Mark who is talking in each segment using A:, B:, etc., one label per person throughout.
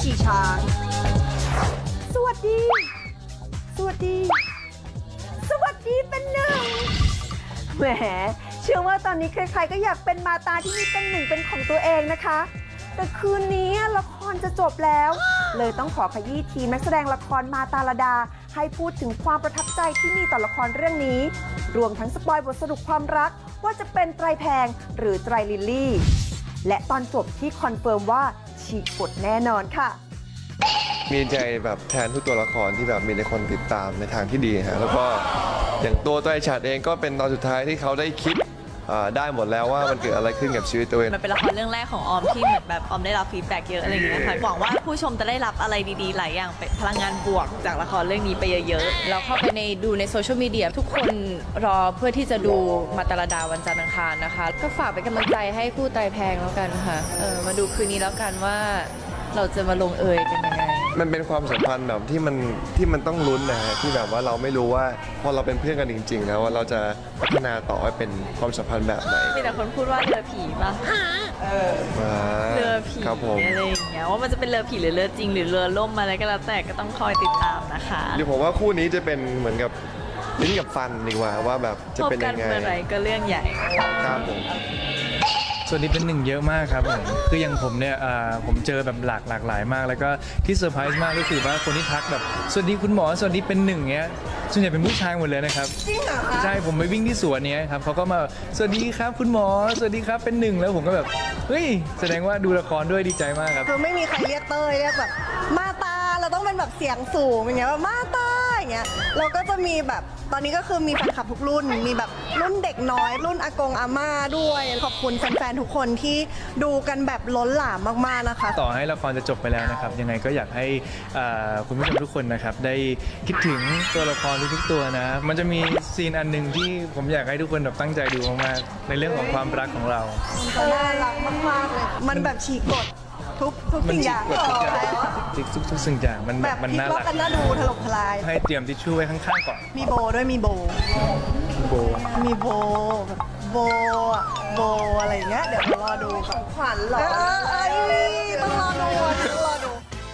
A: ชีช้างสวัสดีสวัสดีสวัสดีเป็นหนึ่งแหมเชื่อว่าตอนนี้ใครๆก็อยากเป็นมาตาที่มีเป็นหนึ่งเป็นของตัวเองนะคะแต่คืนนี้ละครจะจบแล้วเลยต้องขอขยี้ทีมนักแสดงละครมาตาลดาให้พูดถึงความประทับใจที่มีต่อละครเรื่องนี้รวมทั้งสปอยบทสรุปความรักว่าจะเป็นไตรแพงหรือไตรลิลลี่และตอนจบที่คอนเฟิร์มว่าฉีกบทแน่นอนค่ะ
B: มีใจแบบแทนทุกตัวละครที่แบบมีแต่คนติดตามในทางที่ดีฮะแล้วก็อย่างตัวไตรฉัตรเองก็เป็นตอนสุดท้ายที่เขาได้คิดได้หมดแล้วว่ามันเกิดอะไรขึ้นกับชีวิตตัวเอง
C: มันเป็นละครเรื่องแรกของออมที่เหมือนแบบออมได้รับฟีดแบ็กเยอะอะไรอย่างเงี้ยค่ะหวังว่าผู้ชมจะได้รับอะไรดีๆหลายอย่างเป็นพลังงานบวกจากละครเรื่องนี้ไปเยอะๆ
D: เราเข้าไปดูในโซเชียลมีเดียทุกคนรอเพื่อที่จะดูมาตาลดาวันจันทร์อังคารนะคะก็ฝากเป็นกำลังใจให้คู่ไตรแพงแล้วกันค่ะมาดูคืนนี้แล้วกันว่าเราจะมาลงเอยกันยังไง
B: มันเป็นความสัมพันธ์แบบที่มันต้องลุ้นนะฮะที่แบบว่าเราไม่รู้ว่าพอเราเป็นเพื่อนกันจริงๆแล้วว่าเราจะพัฒนาต่อให้เป็นความสัมพันธ์แบบไหน
C: มีแต่คนพูดว่าเรือผีป่ะเรือผี
B: ครับผม
C: อะไรอย่างเงี้ยว่ามันจะเป็นเรือผีหรือเรือจริงหรือเรือล่มอะไรก็แล้วแต่ก็ต้องคอยติดตามนะคะ
B: หรือผมว่าคู่นี้จะเป็นเหมือนกับลิ้นกับฟันดีกว่าว่าแบบจะเป็นยังไง
C: พบกันเมื่อไหร่ก็เรื่องใหญ่
B: ครับผม
E: ส่วนนี้เป็นหนึ่งเยอะมากครับผมคืออย่างผมเนี่ยผมเจอแบบหลากหลายมาก แล้วก็ที่เซอร์ไพรส์มากก็คือว่าคนที่ทักแบบสวัสดีคุณหมอสวัสดีเป็นหนึ่งเงี้ยส่วนใหญ่เป็นผู้ชายหมดเลยนะครับจริงเหรอคะใช่ผมไปวิ่งที่สวนเนี้ยครับเขาก็มาสวัสดีครับคุณหมอสวัสดีครับเป็นหนึ่งแล้วผมก็แบบเฮ้ยแสดงว่าดูละครด้วยดีใจมากครับ
A: คือไม่มีใครเรียกเต้ยเรียกแบบมาตาเราต้องเป็นแบบเสียงสูงอย่างเงี้ยแบบมาตาอย่างเงี้ยเราก็จะมีแบบตอนนี้ก็คือมีแฟนคลับทุกรุ่นมีแบบรุ่นเด็กน้อยรุ่นอากงอาม่าด้วยขอบคุณแฟนๆทุกคนที่ดูกันแบบล้นหลามมากๆนะคะ
E: ต่อให้ละครจะจบไปแล้วนะครับยังไงก็อยากให้คุณผู้ชมทุกคนนะครับได้คิดถึงตัวละครทุกๆตัวนะมันจะมีซีนอันหนึ่งที่ผมอยากให้ทุกคนแบบตั้งใจดูมากๆในเรื่องของความรักของเรา
A: น่ารักมากๆเลยมันแบบฉีกกฎทุกสิ่งอย่าง
E: ทุกสิ่งอย่างมัน
A: แบบ
E: มันน่ารัก
A: กันน่าดูถล่มทลาย
E: ให้เตรียมทิชชู่ไว้ข้างๆก่อน
A: มีโบด้วยมีโบมีโบแบบโบอะไรอย่างเงี้ยเดี๋ยวรอดูของขวัญหรอต้องรอดู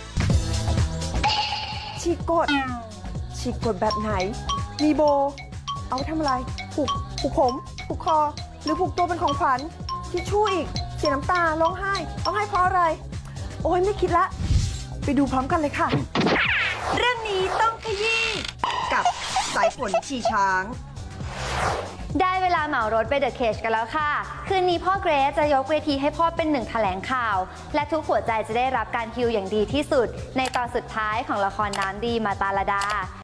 A: ฉีกกฎแบบไหนมีโบเอาทำอะไรผูกผมผูกคอหรือผูกตัวเป็นของขวัญทิชชู่อีกเสียน้ำตาร้องไห้เพราะอะไรโอ้ยไม่คิดละไปดูพร้อมกันเลยค่ะเรื่องนี้ต้องขยี้กับสายฝนชีช้าง
F: ได้เวลาเหมารถไปเดอะเคจกันแล้วค่ะคืนนี้พ่อเกรซจะยกเวทีให้พ่อเป็นหนึ่งแถลงข่าวและทุกหัวใจจะได้รับการฮิวอย่างดีที่สุดในตอนสุดท้ายของละครน้ำดีมาตาลดา